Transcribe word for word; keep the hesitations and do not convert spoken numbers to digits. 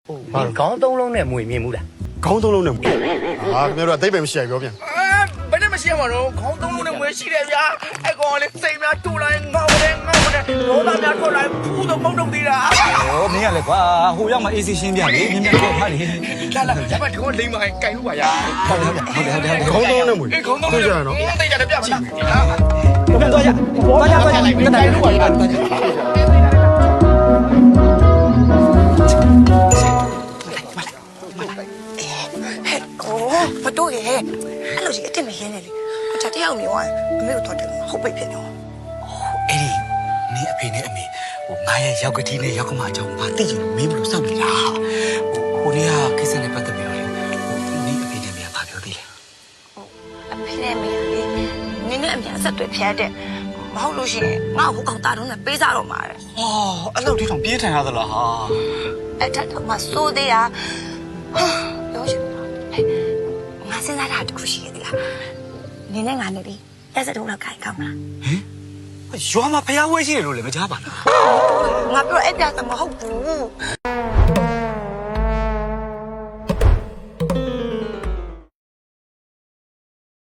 ခေါင်းသုံးလုံးနဲ့မွေမြင်ဘူးလားခေါင်းသုံးလုံးနဲ့မွေဟာခင်ဗျားတို့အသိပ္ပံမရှိရပြောပြန်ဘယ်နဲ့မရှိရမှာတော့ခေါင်းသုံးလုံးနဲ့မွေရှိတယ်ဗျာအဲ့ကောင်လေးစိတ်များတူလိုက်ငေါတယ်ငေါတယ်ရောသားများထွက်လိုက်ဖူးတော့မုံတော့သေးတာ哦，没呀嘞，瓜，后要么 A C 先变的，明天做哪里？ လာလာကျမဒီကောင်လိမ့်မိုင်းကြိုင်လို့ပါဗျာ好的好的好的好的好的。 ခေါင်းသုံးလုံးနဲ့မွေအေးခေါင်းသုံးတွေ့လုံးကြရနော်သိကြတယ်ပြပါလား我们坐下，坐下坐下，跟大家录完了。 โอ้မတို့ရဲ့အဲ့လိုကြီးအစ်မရင်းနေလေအချာတယောက်နေသွားအမေကိုတော့တယ်ဟုတ်ပိတ်ဖြစ်နေတော့哎，你阿妹你阿妹，我妈也要个天呢，要个麻将，把自己没不落上面啦。我我呢啊，其实呢不得了嘞，你阿妹你阿妹怕表弟嘞。 အဖေနဲ့မေလေနင်းနဲ့အမြန်ဆက်တွေ့ဖျက်တဲ့မဟုတ်လို့ရှိရင်ငါ့ကိုကောင်တာတော့နဲ့ပေးစားတော့မှာတဲ့哦，阿老弟同别谈下子了哈。 အဲ့ထက်တော့မစိုးသေးတာဟာပြောရှင်ဟဲ့ငါစဉ်းစားတာတခုရှိသေးလားနင်းနဲ့ငါနဲ့လေရက်စက်တော့လောက်ခိုင်ကောင်းမလားရွာမှာဖျားဝဲရှိတယ်လို့လည်းမကြားပါလားငါပြောအဲ့ပြတ်မဟုတ်ဘူး